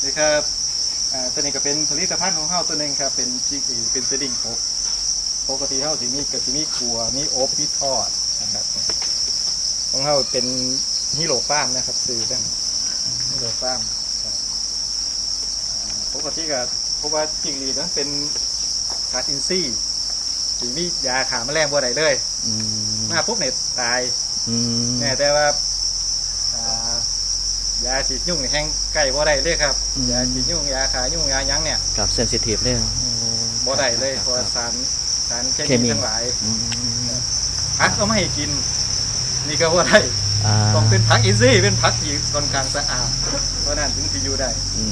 นี่ครับตัวนี้ก็เป็นผลิตภัณฑ์ของเฮาตัวหนึ่งครับเป็นเซดดิ้งอบปกติเฮาสิมีก็สิมีขัวมีอบมีทอดนะครับของเฮาเป็นฮีโร่ฟาร์มนะครับซื้อได้ฮีโร่ฟาร์มปกติก็เพราะว่าจิงหรีดนั้นเป็นขาดอินทรีย์สิมียาฆ่าแมลงบ่ได้เลยมาปุ๊บเนี่ยตายแต่ว่ายาฉีดยุ่งแห้งไก่บ่ได้เลยครับยาฉีดยุ่งยาขายุ่งยายั้งเนี่ยกับเซนซิทีฟเลยบ่ได้เลยเพราะสารเคมีทั้งหลายผักก็ไม่ให้กินนี่ก็บ่ได้ต้องเป็นผักอินทรีย์เป็นผักที่ค่อนข้างสะอาดเพราะนั้นถึงจะอยู่ได้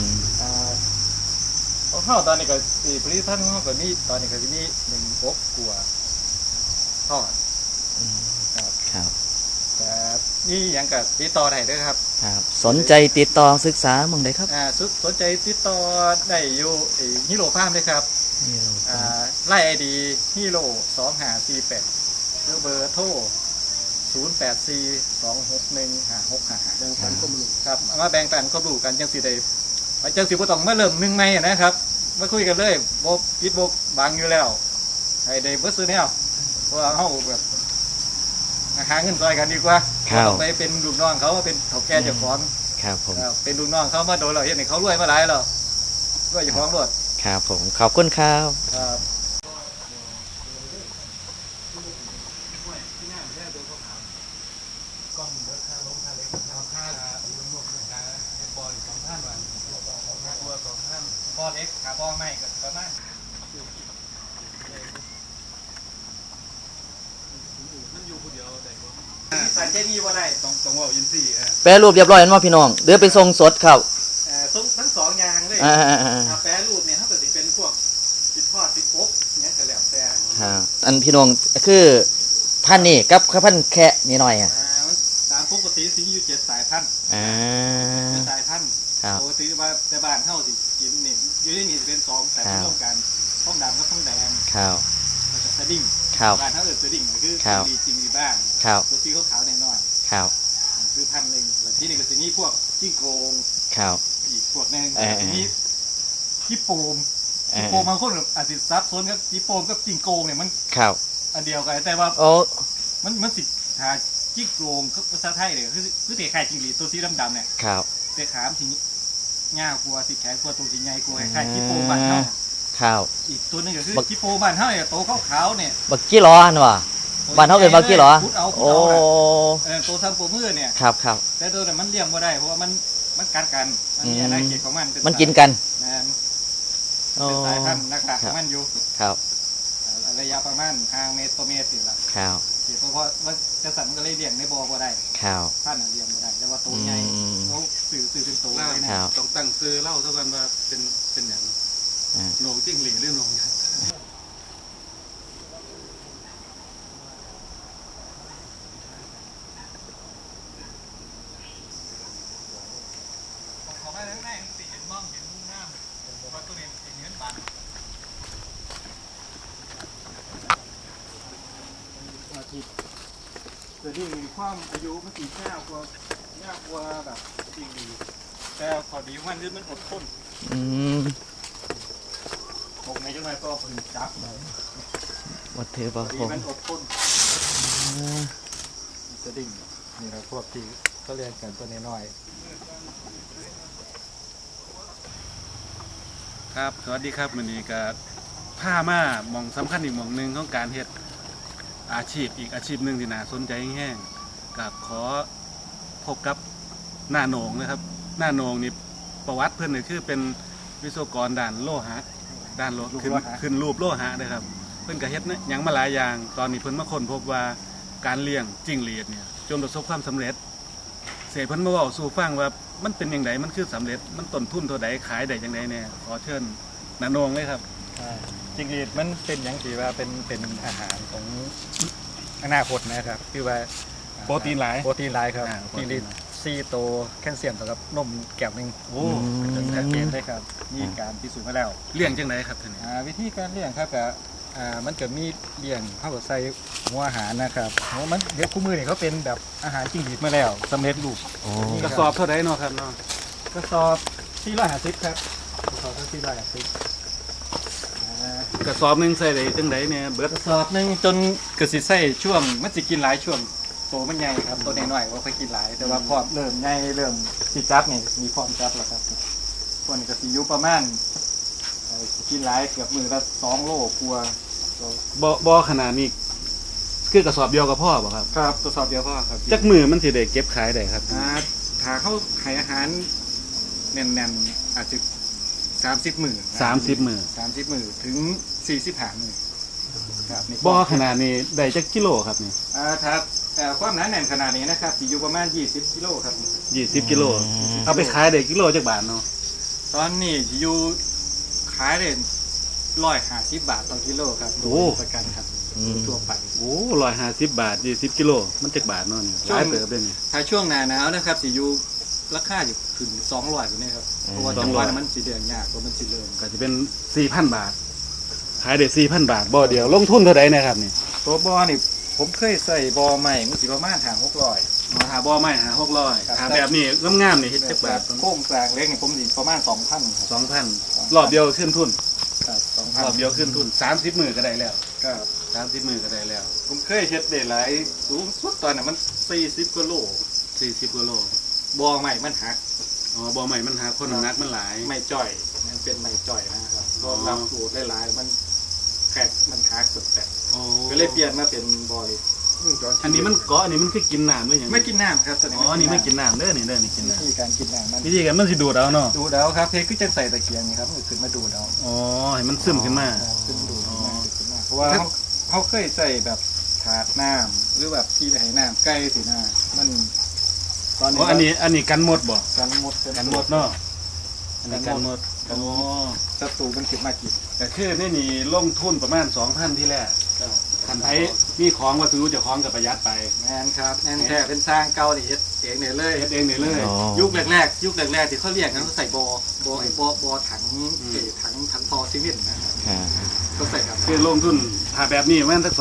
ของเฮาตอนนี้ก็ผลิตภัณฑ์ของเฮาก็มีตอนนี้ก็สิมี1อบกัวทอดครับแต่นี่ยังกับติดต่อได้ด้วยครับสนใจติดต่อศึกษามึงได้ครับสนใจติดต่อได้อยู่ฮีโร่ฟาร์มเลยครับไล่IDฮีโร่2548หรือเบอร์โทร0842615655แบ่งปันข้อมูลครับมาแบ่งปันข้อมูลกันจังสิได้จังสิบ่ต้องมาเริ่ม1ใหม่นะครับมาคุยกันเลยบ่ปิดบ่บังอยู่แล้วให้ได้เบิดซื้อแนวเพราะว่าเฮาแบบหาเงินซอยกันดีกว่าไปเป็นลูกน้องเขาเป็นเฒ่าแก่เจ้าของครับผมเป็นลูกน้องเขามาโดนเราเห็นเขารวยมาหลายแล้วรวยเจ้าของรถครับผมขอบคุณครับบ่อเล็กขาบ่อไม่ก็ประมาณสารเคมีว่าได้ต้องว่าอินทรีย์แปรรูปเรียบร้อยแล้วมั้งพี่น้องเดือไปทรงสดครับทั้งสองอย่างเลยแปรรูปเนี่ยถ้าเกิดเป็นพวกติดทอดติดอบเนี่ยก็แล้วแต่อันพี่น้องคือท่านนี่กับข้าวพันแค่นิดหน่อยตามปกติสิอยู่7 สายพันธุ์7 สายพันธุ์ปกติว่าแต่บ้านเฮาสิกินนี่อยู่ในนี่เป็น2แต่ร่วมกันท้องดำกับท้องแดงสดิ้งบ้านเฮาสดิ้งคือจริงบ้านตัวสีขาวๆน้อยๆคือพันธุ์นึงที่นี่ก็สิมีพวกจิ้งโกงอีกพวกนึงทีนี้จิโปมบางคนอาจจะซับซ้อนกับจิโปมกับจิ้งโกงเนี่ยมันอันเดียวกันแต่ว่ามันสิหาจิ้งโกงก็ภาษาไทยเลยคือเตะไข่จิ้งหรีดตัวสีดำๆเนี่ยเตะขามสีง่ากลัวสีแข็งกลัวตัวสีใหญ่กลัวไข่จิโปมบ้านเฮาอีกตัวนึงก็คือจิโปบ้านเฮาเนี่ยโตขาวๆเนี่ยบักกี้ล้ออันว่ะบ้านเฮาเป็นบักกี้ล้อโอ้โตทำโปมือเนี่ยครับแต่ตัวนั้นมันเลี้ยงบ่ได้เพราะว่ามันกัดกันมันมีอาณาเขตของมันกินกันเป็นสายพันธุ์นะคะมันอยู่ระยะประมาณ5 เมตรต่อเมตรสิละเพราะว่าจะสั่นก็เลยเลี้ยงในบ่อบ่ได้พันธุ์เลี้ยงบ่ได้แต่ว่าตัวใหญ่เขาสื่อเป็นตัวเลยนะต้องตั้งซื้อเล่าเท่ากันว่าเป็นอย่างโหนงจิ้งหรีดหรือโหนงแต่ที่มีความอายุมันสียากกว่าแบบจริงดีแต่พอดีมันอดทนตกในจังไรก็ผลิตจับเลยวัดเทบาคงมันอดทนสดิ้งนี่เราพวกที่เขาเรียนกันตัวน้อยครับสวัสดีครับวันนี้ก็ผ้ามามองสำคัญอีกมองหนึ่งของการเฮ็ดอาชีพหนึ่งที่น่าสนใจแห้งกับขอพบกับหน้าโหนงนะครับหน้าโหนงนี่ประวัติเพื่อนเนี่ยคือเป็นวิศวกรด้านโลหะขึ้นรูปโลหะนะครับเพื่อนกับเฮ็ดเนี่ยยังมาหลายอย่างตอนนี้เพื่อนมาค้นพบว่าการเลี้ยงจิ้งหรีดเนี่ยจนประสบความสำเร็จเสพเพื่อนมาบอกสู่ฟังว่ามันเป็นอย่างไรมันคือสำเร็จมันต้นทุนเท่าใดขายได้อย่างไรเนี่ยขอเชิญหน้าโหนงเลยครับจิ้งหรีดมันเป็นอย่างที่ว่าเป็นอาหารของอนาคตนะครับคือว่าโปรตีนหลายครับจิ้งหรีด4 โตแคลเซียมสำหรับนมแก้วนึงเป็นชัดเจนเลยครับมีการพิสูจน์มาแล้วเลี้ยงจังไรครับท่านวิธีการเลี้ยงครับมันจะมีเลี้ยงเข้ากับใส่หัวอาหารนะครับมันเดี๋ยวคู่มือเนี่ยเขาเป็นแบบอาหารจิ้งหรีดมาแล้วสำเร็จรูปกระสอบเท่าไหร่เนาะครับเนาะกระสอบ 450ครับขอทั้ง450 กระสอบหนึงใส่ได้จังไดเนี่ยเบิดกระสอบหนึงจนกระสิใส่ช่วงมันสิกินหลายช่วงโตมันใหญ่ครับตัวน้อยๆว่าค่อยกินหลายแต่ว่าพอเริ่มใหญ่เริ่มสิจับนี่มีพร้อมจับแล้วครับส่วนนี้ก็สิอยู่ประมาณกินหลายเกือบมือละ2 โลกลัวาบ่ขนาดนี้คือกระสอบเดียวกับพ่อบ่ครับครับกระสอบเดียวพอครับจักมือมันสิได้เก็บขายได้ครับถ้าเขาให้อาหารแน่นๆอาจจะ30 มื้อ 30มื้อ 30 มื้อถึง45 มื้อครับนี่บ่ขนาดนี้ได้จักกิโลครับนี่ถ้าความหนาแน่นขนาดนี้นะครับสิอยู่ประมาณ20 กิโลครับ 20กิโลเอาไปขายได้กิโลจักบาทเนาะตอนนี้สิอยู่ขายได้150 บาทต่อกิโลครับโดยประกันครับทั่วไปโอ้150 บาท20กิโลมันจักบาทเนาะนี่หลายเติบเด้นี่ถ้าช่วงหน้าหนาวนะครับสิอยู่ราคาอยู่ถึง200อยู่นี่ครับเพราะว่าจังหวะนั้นมันสิเดือนยากเพราะมันสิเริ่มก็จะเป็น 4,000 บาท ขายได้ 4,000 บาทบ่เดียวลงทุนเท่าใดนะครับนี่ตัวบอนี่ผมเคยใส่บอใหม่มันสิประมาณ600 หาบ่ไม้หา600หาแบบนี้งามๆนี่เฮ็ดจักแบบาบทโค้งกลางเล็กนี่ผมสิประมาณ 2,000ครับ 2,000รอบเดียวขึ้นทุนครับรอบเดียวขึ้นทุน30มื้อก็ได้แล้วครับ 30มื้อก็ได้แล้วผมเคยเฮ็ดได้หลายสูงสุดตอนนั้นมัน40กว่าโล 40กิโลบอใหม่มันหักอ๋อบ่ใหม่มันหาคนน้ำหนักมันหลายไม่จ่อยมันเป็นไม่จ่อยนะครับอ๋อรับสูตรหลายๆมันแขกมันหักสุดแต่อ๋อก็เลยเปลี่ยนมาเป็นบอเลยอันนี้มันเกาะอันนี้มันคือกินน้ำหรือหยังไม่กินน้ำครับตอนนี้อ๋ออันนี้ไม่กินน้ำเด้อนี่เด้อนี่กินน้วิธีการกินน้ำมันำวิธีการมันสิดูดเอาเนาะดูดเอาครับเพคือจังใส่ตะเกียงนี่ครับมันขึ้นมาดูดเอาอ๋อให้มันซึมขึ้นมาขึ้นดูดขึ้นมาเพราะว่าเขาเคยใส่แบบถาดน้ำหรือแบบที่ไหน้ำใกล้สินะมันตอนอ๋ออันนี้กันหมดบ่กันหมดกันหมดเนาะอันนี้กันหมดอ๋อศัตรูมันขึ้นมากินแต่คือนี่นี่ลงทุนประมาณ 2,000 ที่แรกคันไทยมีของวัตถุเจะของกับประหยัดไปแม่นครับแม่นแท้เป็นสร้างเก่านี่เฮ็ดเองเนี่ยเลยเฮ็ดเองนี่เลยอ๋อยุคแรกๆที่เขาเรียกกันเขาใส่บอถังถังพอซีเมนต์นะครับค่ะก็ใส่ครับคือลงทุนถ้าแบบนี้ประมาณสัก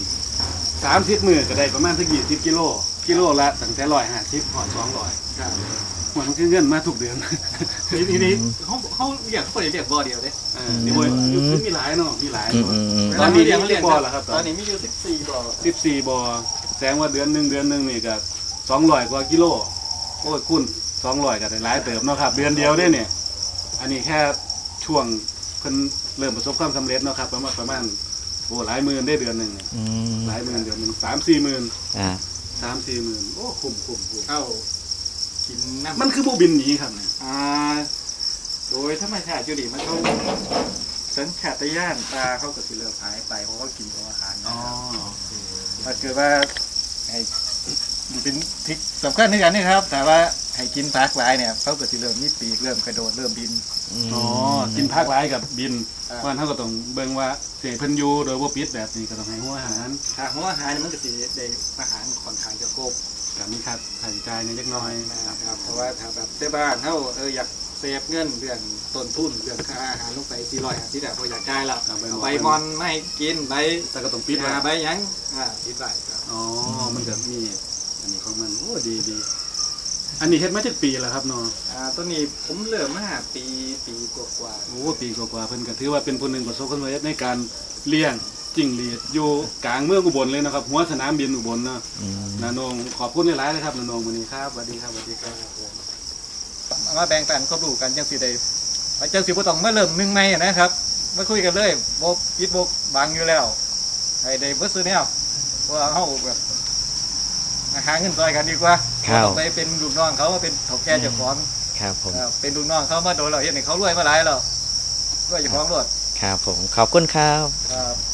2,000 30มื้อก็ได้ประมาณสัก20กิโลกิโลละตั้งแต่150พอ200 ครับมันคือเงินมาทุกเดือนทีนี้เขาเรียกเขาเรียกบอเดียวเด้นี่บ่คือมีหลายเนาะมีหลายอืมบ่อืมอืมตอนนี้เรียกบ่ล่ะครับตอนนี้มีอยู่14บอ 14บ่แสดงว่าเดือนหนึงนี่ก็200กว่ากิโลโอ้ยคูณ200ก็ได้หลายเติบเนาะครับ เดือนเดียวเด้เนี่ยอันนี้แค่ช่วงเพิ่นเริ่มประสบความสำเร็จเนาะครับประมาณโอ้หลายหมื่นได้เดือนหนึงเนี่ยอืมหลายหมื่นเดือนหนึง3-4หมื่นอ่า 3-4หมื่นโอ้คุ้มเข้ากินน้ำมันคือบ่บินหนีครับเนี่ยโดยธรรมชาติอยู่ดีมันเขาสัญชาตญาณตาเขาก็สิเริ่มหายไปเพราะว่ากินของอาหารนะครับถ้าเกิดว่าให้เป็นทริคสำคัญในการนี่ครับ แต่ว่าให้กินผักหลายเนี่ยเขาก็สิเริ่มมีปีกเริ่มกระโดดเริ่มบินอ๋อกินผักหลายกับบินอ่าเพราะฉะนั้นเฮาก็ต้องเบิ่งว่าเสเพิ่นอยู่โดยบ่ปิดแบบนี้ก็ต้องให้หัวอาหารถ้าหัวอาหารเนี่ยมันก็สิได้อาหารค่อนข้างจะครบก็มีค่าใช้จ่ายในเล็กน้อยนะครับเพราะว่าถ้าแบบที่บ้านเขาอยากเซฟเงินเรื่องต้นทุนเรื่องค่าอาหารลงไป450แต่พออยากได้แล้วเอาใบมอนไม่กินใบแต่ก็ต้องปิดไว้ใบหยังปิดไว้ครับอ๋อมันก็มีอันนี้ของมันโอ้ดีอันนี้เฮ็ดมาจากปีแล้วครับเนาะต้นนี้ผมเริ่มมาปีกว่าโอ้ปีกว่าๆเพิ่นก็ถือว่าเป็นผู้หนึ่งประสบความสำเร็จในการเลี้ยงจิ้งหรีดอยู่กลางเมืองอุบลเลยนะครับหัวสนามบินอุบลเนาะอืมนาโนงขอบคุณหลายๆเลยครับนาโนงวันนี้ครับสวัสดีครับสวัสดีครับๆมาแบ่งปันความรู้กันจังสิได้จังสิบ่ต้องมาเริ่มหนึ่งใหม่นะครับมาคุยกันเลยบ่ปิดบ่บังอยู่แล้วให้ได้เบิดซื้อแนวเพราะว่าเฮาแบบหาเงินซอยกันดีกว่าครับต้องไปเป็นลูกน้องเขามาเป็นเฒ่าแก่เจ้าของครับผมเป็นลูกน้องเขามาโดนเราเห็นให้เขารวยมาหลายแล้วรวยเจ้าของรถครับผม ขอบคุณครับครับ